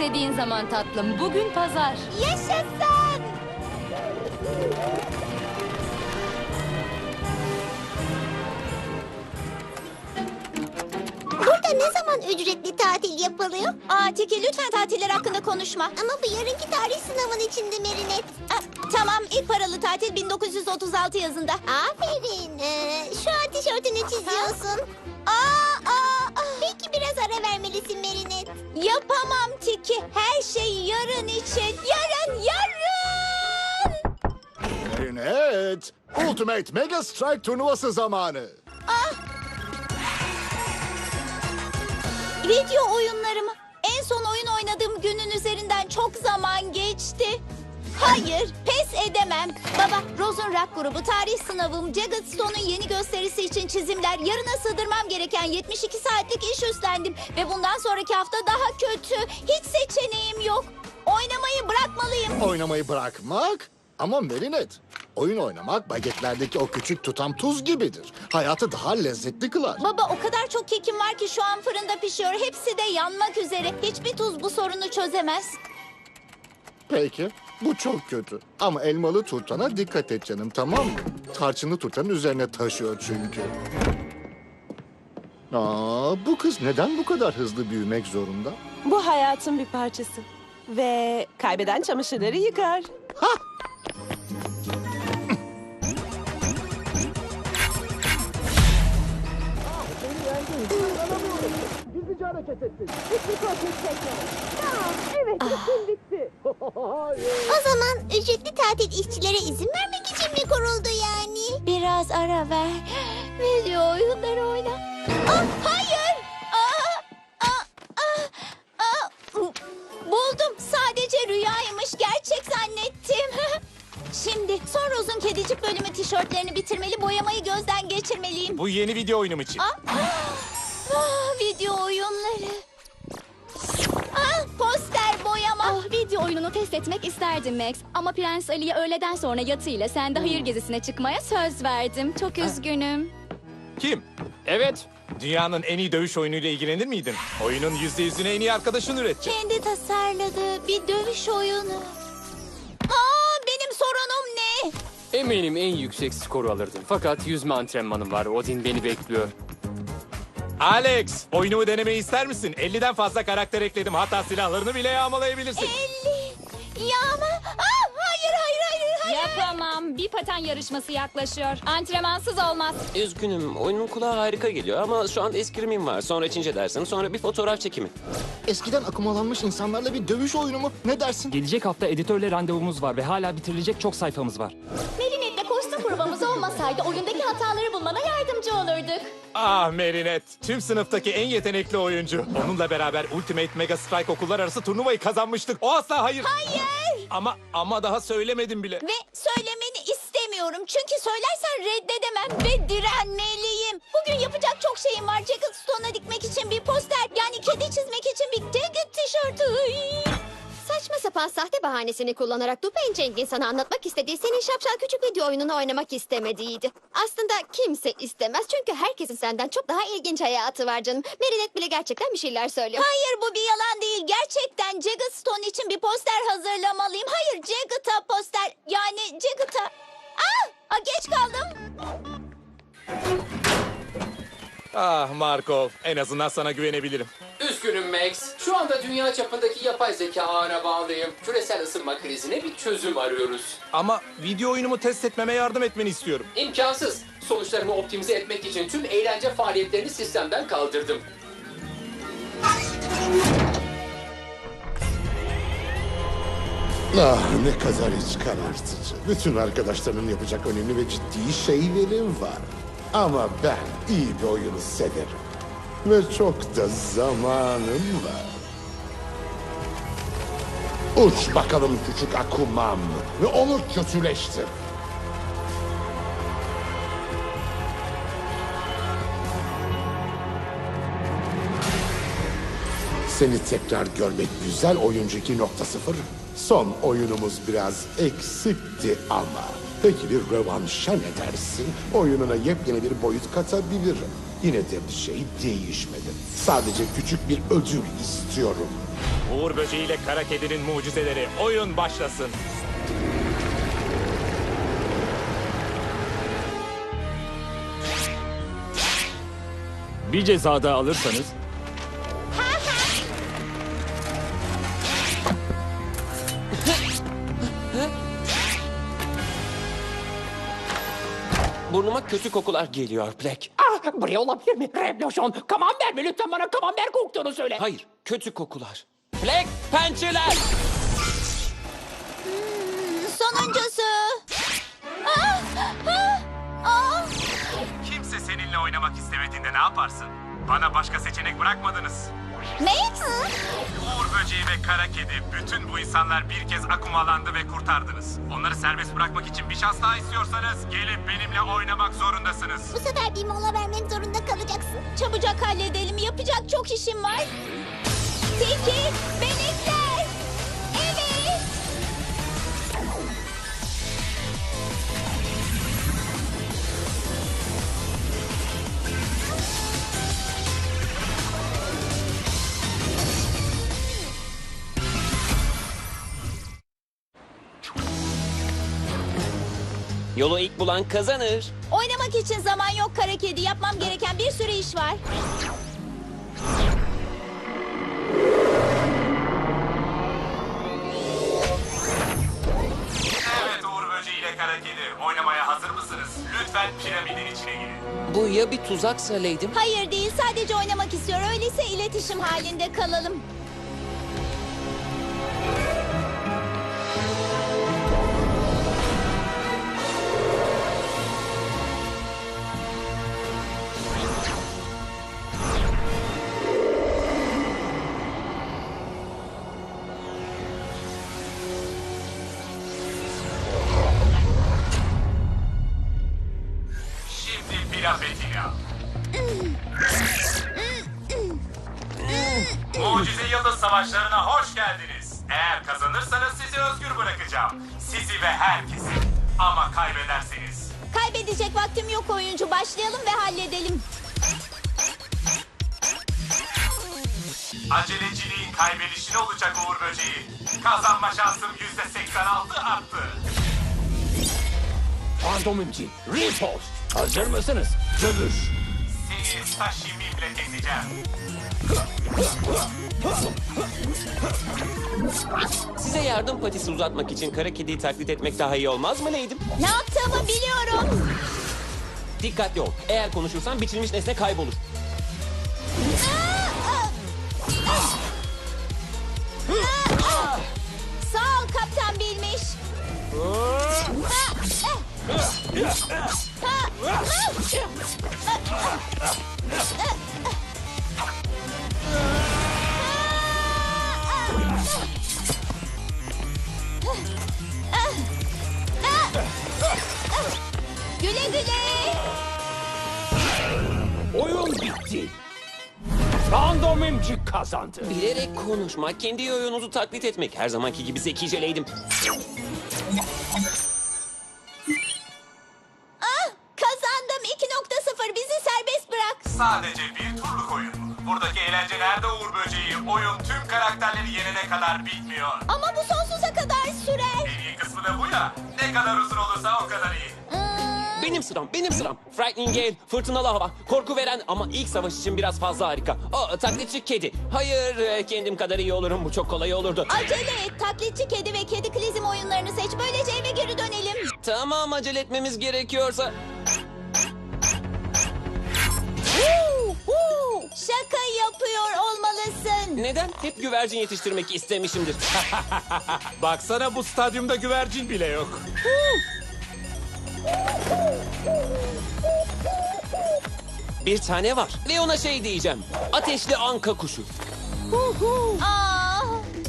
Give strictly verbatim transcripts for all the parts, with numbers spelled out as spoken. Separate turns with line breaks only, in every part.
İstediğin zaman tatlım. Bugün pazar.
Yaşasın! Burada ne zaman ücretli tatil yapılıyor?
Aa Tiki, lütfen tatiller hakkında konuşma.
Ama bu yarınki tarih sınavın içinde Merinet.
Aa, tamam, ilk paralı tatil bin dokuz yüz otuz altı yazında.
Aferin. Ee, şu an tişörtünü çiziyorsun.
Aa, aa, aa.
Belki biraz ara vermelisin Merinet.
Yapamam Tiki. Her şey yarın için. Yarın, yarın.
Evet. Ultimate Mega Strike turnuvası zamanı.
Video oyunlarımı. En son oyun oynadığım günün üzerinden çok zaman geçti. Hayır, pes edemem. Baba, Rose'un rock grubu, tarih sınavım, Jagged Stone'un yeni gösterisi için çizimler, yarına sığdırmam gereken yetmiş iki saatlik iş üstlendim. Ve bundan sonraki hafta daha kötü. Hiç seçeneğim yok. Oynamayı bırakmalıyım.
Oynamayı bırakmak? Ama Merinet, oyun oynamak bagetlerdeki o küçük tutam tuz gibidir. Hayatı daha lezzetli kılar.
Baba, o kadar çok kekim var ki şu an fırında pişiyor. Hepsi de yanmak üzere. Hiçbir tuz bu sorunu çözemez.
Peki, bu çok kötü. Ama elmalı turtana dikkat et canım, tamam mı? Tarçınlı turtanın üzerine taşıyor çünkü. Aa, bu kız neden bu kadar hızlı büyümek zorunda?
Bu hayatın bir parçası. Ve kaybeden çamaşırları yıkar.
Gizlice hareket ettin.
O zaman ücretli tatil işçilere izin vermek için mi kuruldu yani?
Biraz ara ver. Video oyunları oyna. Ah, hayır. Aa, aa, aa, aa. Buldum. Sadece rüyaymış. Gerçek zannettim. Şimdi son Rose'un kedicik bölümü tişörtlerini bitirmeli, boyamayı gözden geçirmeliyim.
Bu yeni video oyunum için.
Ah, ah, video oyunları. Ah, poster boyama.
Ah, video oyununu test etmek isterdim Max. Ama Prens Ali'ye öğleden sonra yatıyla sen de hayır gezisine çıkmaya söz verdim. Çok üzgünüm.
Kim? Evet. Dünyanın en iyi dövüş oyunuyla ilgilenir miydin? Oyunun yüzde yüzünü en iyi arkadaşın üretecek.
Kendi tasarladığı bir dövüş oyunu. Aa, benim sorunum ne?
Eminim en yüksek skoru alırdın. Fakat yüzme antrenmanım var. Odin beni bekliyor.
Alex, oyunumu denemeyi ister misin? elliden fazla karakter ekledim. Hatta silahlarını bile yağmalayabilirsin.
elli. Ya ama... Aa, hayır, hayır, hayır, hayır.
Yapamam. Bir paten yarışması yaklaşıyor. Antrenmansız olmaz.
Üzgünüm. Oyunun kulağa harika geliyor ama şu anda eskrimim var. Sonra Çince dersin. Sonra bir fotoğraf çekimi.
Eskiden akımalanmış insanlarla bir dövüş oyunu mu? Ne dersin?
Gelecek hafta editörle randevumuz var ve hala bitirilecek çok sayfamız var.
Merinet'le kostüm provamız olmasaydı oyundaki hataları bulmana yardımcı olurduk.
Ah Merinet, tüm sınıftaki en yetenekli oyuncu. Onunla beraber Ultimate Mega Strike okullar arası turnuvayı kazanmıştık. O asla hayır.
Hayır.
Ama ama daha söylemedim bile.
Ve söylemeni istemiyorum. Çünkü söylersen reddedemem ve direnmeliyim. Bugün yapacak çok şeyim var. Jagged Stone'a dikmek için bir poster. Yani kedi çizmek için bir Jagged tişörtü. Iy.
Saçma sapan sahte bahanesini kullanarak Dupain Ceng'in sana anlatmak istediği senin şapşal küçük video oyununu oynamak istemediğiydi. Aslında kimse istemez çünkü herkesin senden çok daha ilginç hayatı var canım. Merinet bile gerçekten bir şeyler söylüyor.
Hayır, bu bir yalan değil. Gerçekten Jagged Stone için bir poster hazırlamalıyım. Hayır, Jagged'a poster. Yani Jagged'a... Ah, ah, geç kaldım.
Ah Markov, en azından sana güvenebilirim.
Üzgünüm Max. Şu anda dünya çapındaki yapay zeka ağına bağlıyım. Küresel ısınma krizine bir çözüm arıyoruz.
Ama video oyunumu test etmeme yardım etmeni istiyorum.
İmkansız. Sonuçlarımı optimize etmek için tüm eğlence faaliyetlerini sistemden kaldırdım.
Ah ne kadar iç karartıcı. Bütün arkadaşlarının yapacak önemli ve ciddi şeylerim var. Ama ben iyi bir oyunu severim. Ve çok da zamanım var. Uç bakalım küçük Akuman ve onu kötüleştir. Seni tekrar görmek güzel oyuncu iki nokta sıfır. Son oyunumuz biraz eksikti ama. Peki bir rövanşa ne dersin? Oyununa yepyeni bir boyut katabilirim. Yine de bir şey değişmedi. Sadece küçük bir ödül istiyorum.
Uğur Böceği ile Kara Kedi'nin mucizeleri. Oyun başlasın.
Bir ceza daha alırsanız
Burnuma kötü kokular geliyor Black.
Ah, buraya olabilir mi? Revolution, Camembert mi? Lütfen bana Camembert koktuğunu söyle.
Hayır, kötü kokular. Black, pençeler!
Sonuncusu. Ah, ah, ah.
Kimse seninle oynamak istemediğinde ne yaparsın? Bana başka seçenek bırakmadınız.
Max?
Uğur Böceği ve Kara Kedi, bütün bu insanlar bir kez akumalandı ve kurtardınız. Onları serbest bırakmak için bir şans daha istiyorsanız gelip benimle oynamak zorundasınız.
Bu sefer bir mola vermek zorunda kalacaksın. Çabucak halledelim. Yapacak çok işim var. Tiki, benekler. Evet.
Yolu ilk bulan kazanır.
Oynamak için zaman yok kara kedi. Yapmam gereken bir sürü iş var.
Evet Uğur Böceği ile Kara Kedi, oynamaya hazır mısınız? Lütfen piramidin içine girin.
Bu ya bir tuzaksa Lady'm?
Hayır değil, sadece oynamak istiyor. Öyleyse iletişim halinde kalalım.
Şimdi Pirapetina. Mucize Yıldız Savaşları'na hoş geldiniz. Eğer kazanırsanız sizi özgür bırakacağım. Sizi ve herkesi. Ama kaybederseniz...
Kaybedecek vaktim yok oyuncu. Başlayalım ve halledelim.
Aceleciliğin kaybedişine olacak Uğur Böceği. Kazanma şansım yüzde seksen altı arttı.
Fantomimci, Ripost. Hazır mısınız? Dövüş.
Seni sashimimle keseceğim.
Size yardım patisi uzatmak için Kara Kedi'yi taklit etmek daha iyi olmaz mı Lady'm?
Ne yaptığımı biliyorum.
Dikkatli ol. Eğer konuşursan biçilmiş nesne kaybolur.
Sağ ol kaptan bilmiş. Güle güle.
Oyun bitti. Fantomimci kazandı.
Bilerek konuşmak, kendi oyununuzu taklit etmek. Her zamanki gibi zekice Lady'm.
Ah, kazandım. iki nokta sıfır. Bizi serbest bırak.
Sadece bir turluk oyun. Buradaki eğlence nerede Uğur Böceği? Oyun tüm karakterleri yenene kadar bitmiyor.
Ama bu sonsuza kadar sürer.
En iyi kısmı da bu ya. Ne kadar uzun olursa o kadar iyi.
Benim sıram, benim sıram. Frightening Gale, fırtınalı hava, korku veren ama ilk savaş için biraz fazla harika. O taklitçi kedi. Hayır, e, kendim kadar iyi olurum. Bu çok kolay olurdu.
Acele et. Taklitçi kedi ve kedi klizm oyunlarını seç. Böylece eve geri dönelim.
Tamam, acele etmemiz gerekiyorsa.
Şaka yapıyor olmalısın.
Neden? Hep güvercin yetiştirmek istemişimdir.
Baksana bu stadyumda güvercin bile yok.
Bir tane var ve ona şey diyeceğim. Ateşli anka kuşu.
Aa,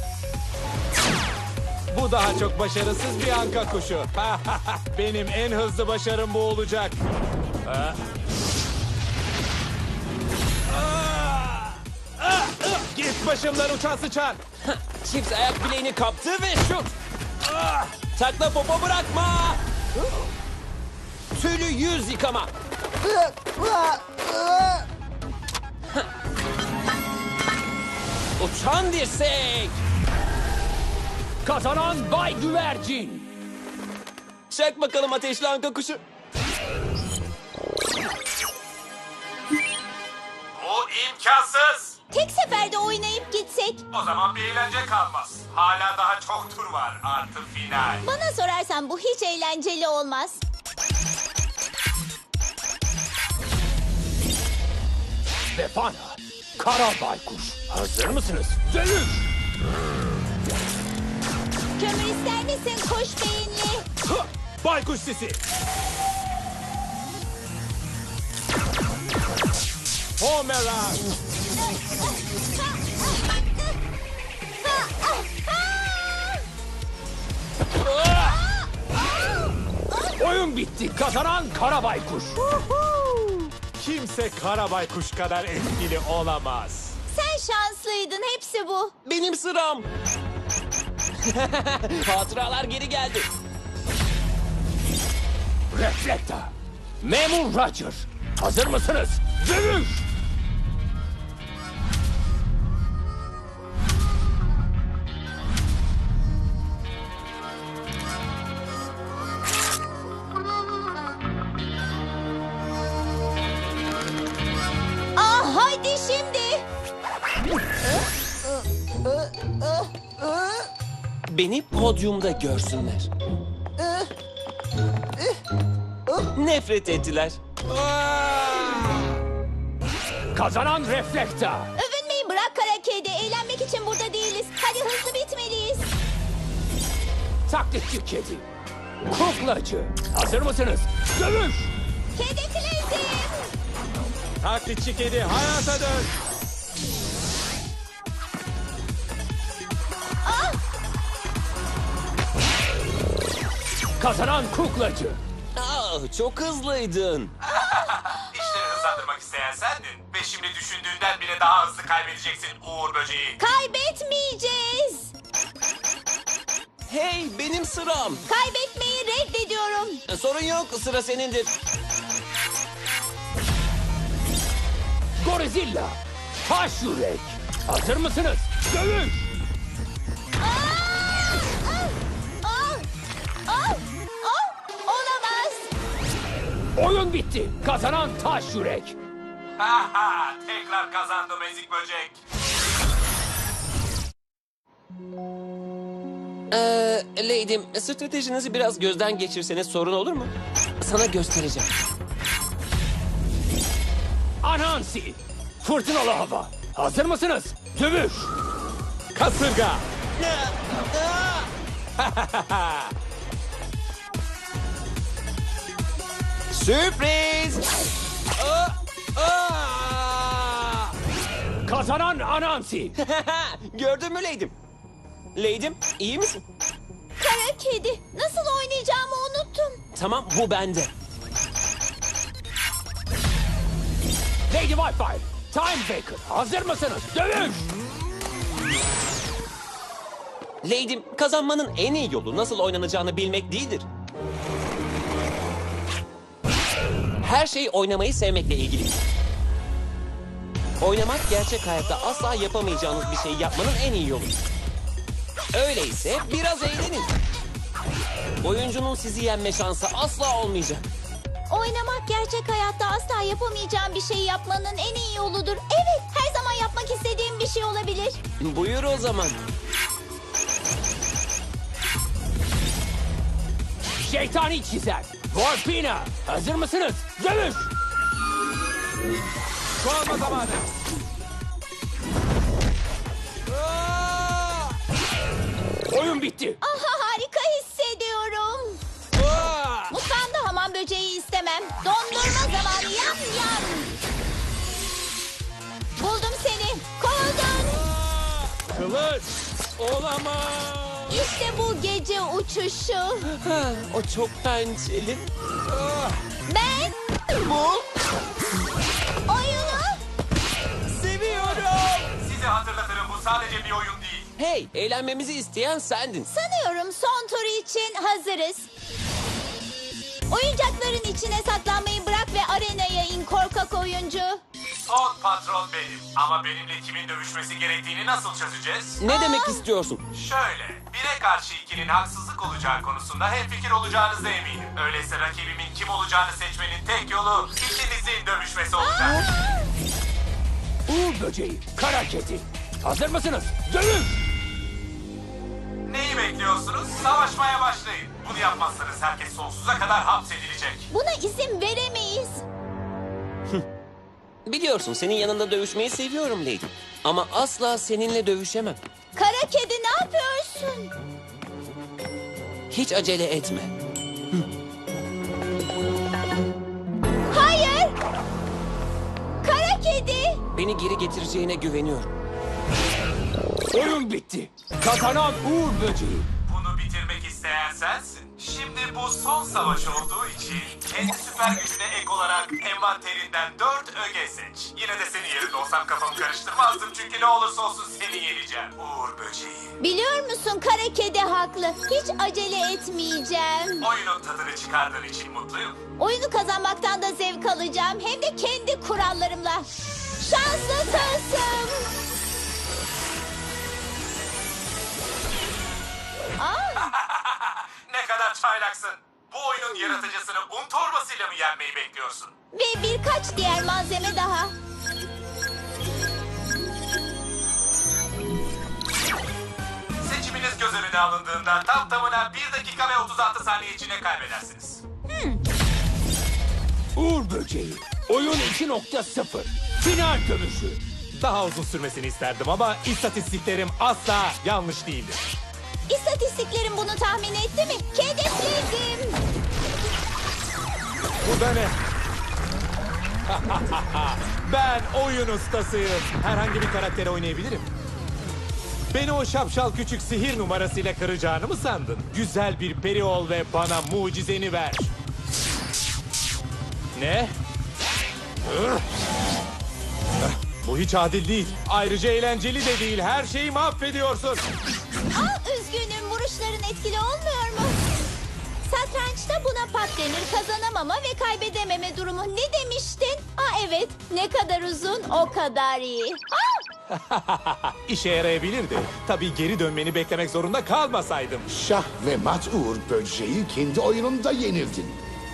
Bu daha çok başarısız bir anka kuşu. Benim en hızlı başarım bu olacak. Ah. Ah! Ah! Ah! Git başımdan uçan sıçan.
Çift ayak bileğini kaptı ve şut. Ah! Takla popo bırakma. Tülü yüz yıkama. Uçan dirsek.
Kazanan Bay Güvercin.
Çek bakalım ateşli anka kuşu.
Bu imkansız.
Tek seferde oynayıp gitsek.
O zaman bir eğlence kalmaz. Hala daha çok tur var. Artı final.
Bana sorarsan bu hiç eğlenceli olmaz.
Befana. Kara baykuş. Hazır mısınız? Dövüş.
Kömür ister misin kuş beyinli?
Hı! Baykuş sesi. Homerang. Oyun bitti. Kazanan Kara Baykuş.
Kimse kara baykuş kadar etkili olamaz.
Sen şanslıydın, hepsi bu.
Benim sıram. Hatıralar geri geldi.
Reflekta. Memur Roger. Hazır mısınız? Dövüş.
Ah hadi şimdi.
Beni podyumda görsünler. Nefret ettiler.
Kazanan Reflekta.
Övünmeyi bırak kara kedi. Eğlenmek için burada değiliz. Hadi hızlı bitmeliyiz.
Taklitçi kedi. Kuklacı. Hazır mısınız? Dövüş.
Kedi klezim.
Taklitçi kedi hayata dön.
Ah,
Kazanan kuklacı.
Aa, çok hızlıydın.
İşleri hızlandırmak isteyen sendin. Ve şimdi düşündüğünden bile daha hızlı kaybedeceksin Uğur Böceği.
kaybetmeyeceğiz.
Hey, benim sıram.
Kaybetmeyi reddediyorum.
E, Sorun yok, sıra senindir.
Gorizilla. Taş yürek. Hazır mısınız? Dövüş.
Ah, ah, ah, ah, olamaz.
Oyun bitti. Kazanan taş yürek.
Ha ha, tekrar kazandım ezik böcek.
Ee, Lady'm, stratejinizi biraz gözden geçirseniz sorun olur mu? Sana göstereceğim.
Anansi. Fırtınalı hava. Hazır mısınız? Dövüş.
Kasırga.
Sürpriz! Aa, aa!
Kazanan Anansi.
Gördün mü Lady'm? Lady'm, iyi misin?
Kara kedi. Nasıl oynayacağımı unuttum.
Tamam, bu bende.
Lady Wi-Fi. Time Baker. Hazır mısınız? Dövüş.
Lady'm, kazanmanın en iyi yolu nasıl oynanacağını bilmek değildir. Her şey oynamayı sevmekle ilgili. Oynamak gerçek hayatta asla yapamayacağınız bir şeyi yapmanın en iyi yolu. Öyleyse biraz eğlenin. Oyuncunun sizi yenme şansı asla olmayacak.
Oynamak gerçek hayatta asla yapamayacağım bir şey yapmanın en iyi yoludur. Evet, her zaman yapmak istediğim bir şey olabilir.
Buyur o zaman.
Şeytani çizer. Volpina. Hazır mısınız? Dövüş.
Kovma zamanı.
Oyun bitti.
Aha, harika hissediyorum. Mutfağımda hamam böceği istemem. Dondurma zamanı, yam yam. Buldum seni. Kovuldun.
Kılıç. Olamaz.
İşte bu gece uçuşu.
O çok pençeli.
Ben
Bu
oyunu
seviyorum.
Size hatırlatırım, bu sadece bir oyun değil.
Hey, eğlenmemizi isteyen sendin.
sanıyorum son tur için hazırız. Oyuncakların içine saklanmayı bırak ve arenaya in korkak oyuncu.
Son patron benim. Ama benimle kimin dövüşmesi gerektiğini nasıl çözeceğiz?
Ne demek istiyorsun?
Şöyle, bire karşı ikinin haksızlık olacağı konusunda hemfikir olacağınıza eminim. Öyleyse rakibimin kim olacağını seçmenin tek yolu ikinizin dövüşmesi olacak.
Uğur böceği, kara kedi. Hazır mısınız? Dövüş!
Neyi bekliyorsunuz? Savaşmaya başlayın. Bunu yapmazsanız herkes sonsuza kadar hapsedilecek.
Buna izin veremeyiz.
Biliyorsun senin yanında dövüşmeyi seviyorum Lady. Ama asla seninle dövüşemem.
Kara kedi ne yapıyorsun?
Hiç acele etme.
Hayır! Kara kedi!
Beni geri getireceğine güveniyorum.
Oyun bitti. Kazanan Uğur böceği.
Bunu bitirmek isteyen sensin. Şimdi bu son savaş olduğu için kendi süper gücüne ek olarak envanterinden dört öge seç. Yine de senin yerinde olsam kafamı karıştırmazdım çünkü ne olursa olsun seni yeneceğim. Uğur böceği.
Biliyor musun kara kedi haklı. Hiç acele etmeyeceğim.
Oyunun tadını çıkardığın için mutluyum.
Oyunu kazanmaktan da zevk alacağım. Hem de kendi kurallarımla. Şanslı tılsım. Aa,
Ne kadar çaylaksın. Bu oyunun yaratıcısını un torbasıyla mı yenmeyi bekliyorsun?
ve birkaç diğer malzeme daha.
Seçiminiz göz önüne alındığında tam tamına bir dakika ve otuz altı saniye içinde kaybedersiniz.
Uğur böceği. Oyun iki nokta sıfır. Final dövüşü.
Daha uzun sürmesini isterdim ama istatistiklerim asla yanlış değildir.
İstatistiklerim bunu tahmin etti mi? Kedefledim.
Bu da ne? Ben oyun ustasıyım. Herhangi bir karakteri oynayabilirim. Beni o şapşal küçük sihir numarasıyla kıracağını mı sandın? Güzel bir peri ol ve bana mucizeni ver. Ne? Ugh! Bu hiç adil değil. Ayrıca eğlenceli de değil. Her şeyi mahvediyorsun.
Aa, üzgünüm. Vuruşların etkili olmuyor mu? Satrançta buna pat denir. Kazanamama ve kaybedememe durumu. Ne demiştin? Aa evet. Ne kadar uzun o kadar iyi. Aa!
İşe yarayabilirdi. Tabii geri dönmeni beklemek zorunda kalmasaydım.
Şah ve mat Uğur böceği kendi oyununda yenildin.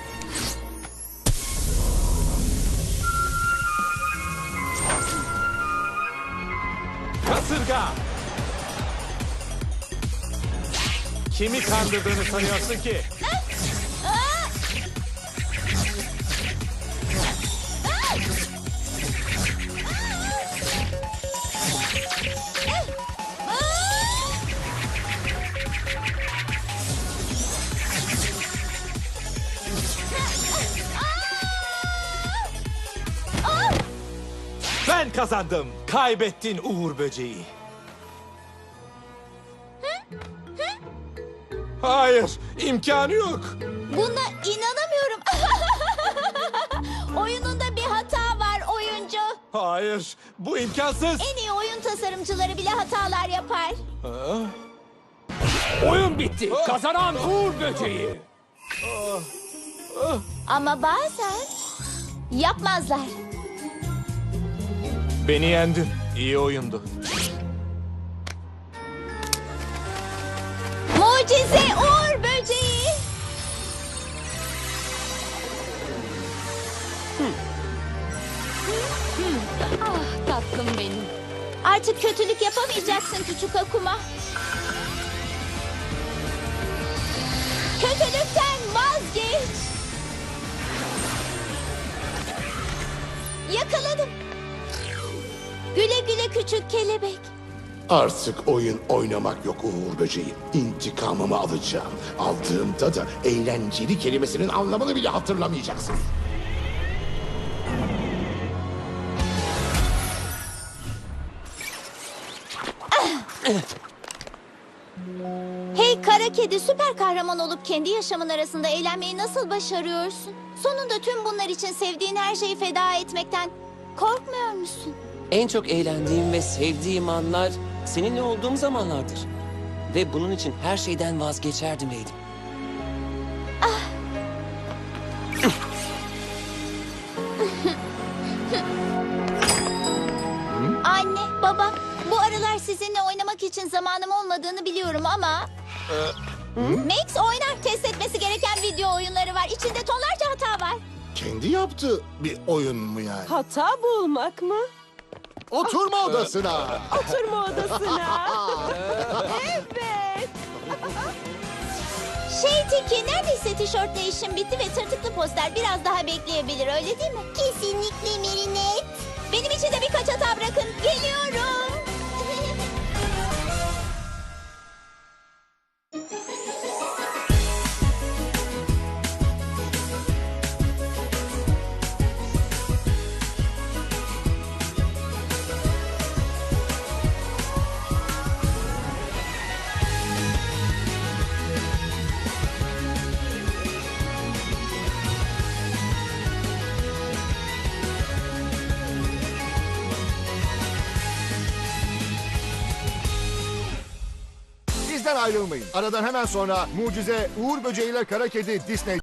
Kasırga! Kimi kandırdığını sanıyorsun ki?
Aa!
Ben kazandım. Kaybettin Uğur böceği. Hayır, imkanı yok.
Buna inanamıyorum. Oyununda bir hata var oyuncu.
Hayır, bu imkansız.
En iyi oyun tasarımcıları bile hatalar yapar.
Oyun bitti. Kazanan Uğur böceği.
Ama bazen yapmazlar.
Beni yendin. İyi oyundu.
Mucize Uğur böceği.
Ah tatlım benim.
Artık kötülük yapamayacaksın küçük Akuma. Kötülükten vazgeç. Yakaladım. Güle güle küçük kelebek.
Artık oyun oynamak yok Uğur böceği. İntikamımı alacağım. Aldığımda da eğlenceli kelimesinin anlamını bile hatırlamayacaksın.
Hey kara kedi, süper kahraman olup kendi yaşamın arasında eğlenmeyi nasıl başarıyorsun? Sonunda tüm bunlar için sevdiğin her şeyi feda etmekten korkmuyor musun?
En çok eğlendiğim ve sevdiğim anlar seninle olduğum zamanlardır. Ve bunun için her şeyden vazgeçerdim Lady.
sizinle oynamak için zamanım olmadığını biliyorum ama... Max oynar. Test etmesi gereken video oyunları var. İçinde tonlarca hata var.
Kendi yaptığı bir oyun mu yani?
Hata bulmak mı?
Oturma odasına.
Oturma odasına. Evet.
Şey Tiki, neredeyse tişörtle işim bitti ve tırtıklı poster biraz daha bekleyebilir, öyle değil mi? Kesinlikle Merinet. Benim için de birkaç hata bırakın. Geliyorum.
Bizden ayrılmayın. Aradan hemen sonra Mucize Uğur Böceği ile Kara Kedi Disney